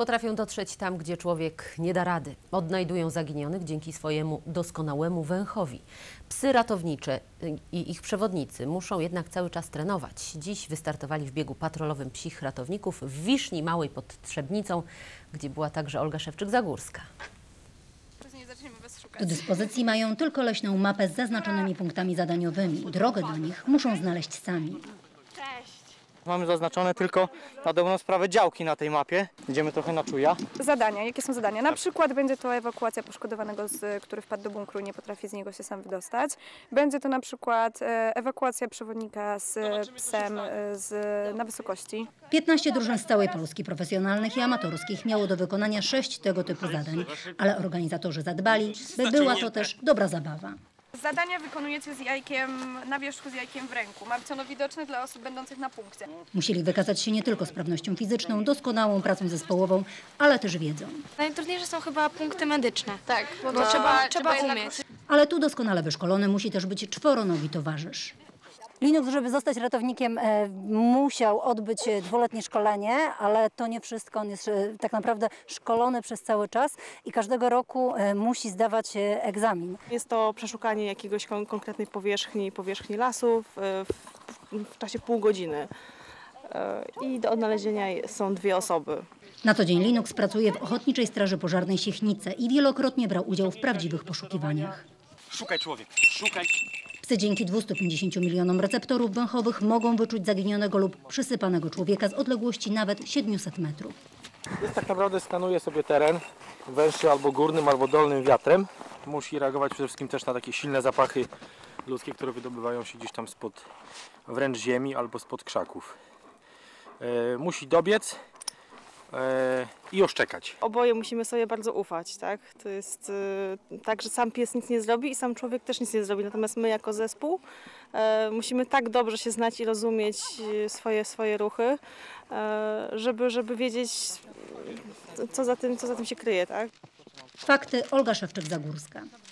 Potrafią dotrzeć tam, gdzie człowiek nie da rady. Odnajdują zaginionych dzięki swojemu doskonałemu węchowi. Psy ratownicze i ich przewodnicy muszą jednak cały czas trenować. Dziś wystartowali w biegu patrolowym psich ratowników w Wiszni Małej pod Trzebnicą, gdzie była także Olga Szewczyk-Zagórska. Do dyspozycji mają tylko leśną mapę z zaznaczonymi punktami zadaniowymi. Drogę do nich muszą znaleźć sami. Mamy zaznaczone tylko na dobrą sprawę działki na tej mapie. Idziemy trochę na czuja. Zadania. Jakie są zadania? Na przykład będzie to ewakuacja poszkodowanego, który wpadł do bunkru i nie potrafi z niego się sam wydostać. Będzie to na przykład ewakuacja przewodnika z psem na wysokości. 15 drużyn z całej Polski, profesjonalnych i amatorskich, miało do wykonania 6 tego typu zadań, ale organizatorzy zadbali, by była to też dobra zabawa. Zadania wykonujecie z jajkiem na wierzchu, z jajkiem w ręku. Ma być ono widoczne dla osób będących na punkcie. Musieli wykazać się nie tylko sprawnością fizyczną, doskonałą pracą zespołową, ale też wiedzą. Najtrudniejsze są chyba punkty medyczne. Tak, Bo to trzeba umieć. Ale tu doskonale wyszkolony musi też być czworonogi towarzysz. Linux, żeby zostać ratownikiem, musiał odbyć dwuletnie szkolenie, ale to nie wszystko. On jest tak naprawdę szkolony przez cały czas i każdego roku musi zdawać egzamin. Jest to przeszukanie jakiegoś konkretnej powierzchni lasów w czasie pół godziny. I do odnalezienia są 2 osoby. Na co dzień Linux pracuje w Ochotniczej Straży Pożarnej Siechnice i wielokrotnie brał udział w prawdziwych poszukiwaniach. Szukaj człowiek, szukaj. Psy dzięki 250 milionom receptorów węchowych mogą wyczuć zaginionego lub przysypanego człowieka z odległości nawet 700 metrów. Jest tak naprawdę skanuje sobie teren węższy albo górnym, albo dolnym wiatrem. Musi reagować przede wszystkim też na takie silne zapachy ludzkie, które wydobywają się gdzieś tam spod wręcz ziemi albo spod krzaków. Musi dobiec i oszczekać. Oboje musimy sobie bardzo ufać, tak? To jest tak, że sam pies nic nie zrobi i sam człowiek też nic nie zrobi. Natomiast my jako zespół musimy tak dobrze się znać i rozumieć swoje ruchy, żeby wiedzieć, co za tym się kryje, tak? Fakty: Olga Szewczyk-Zagórska.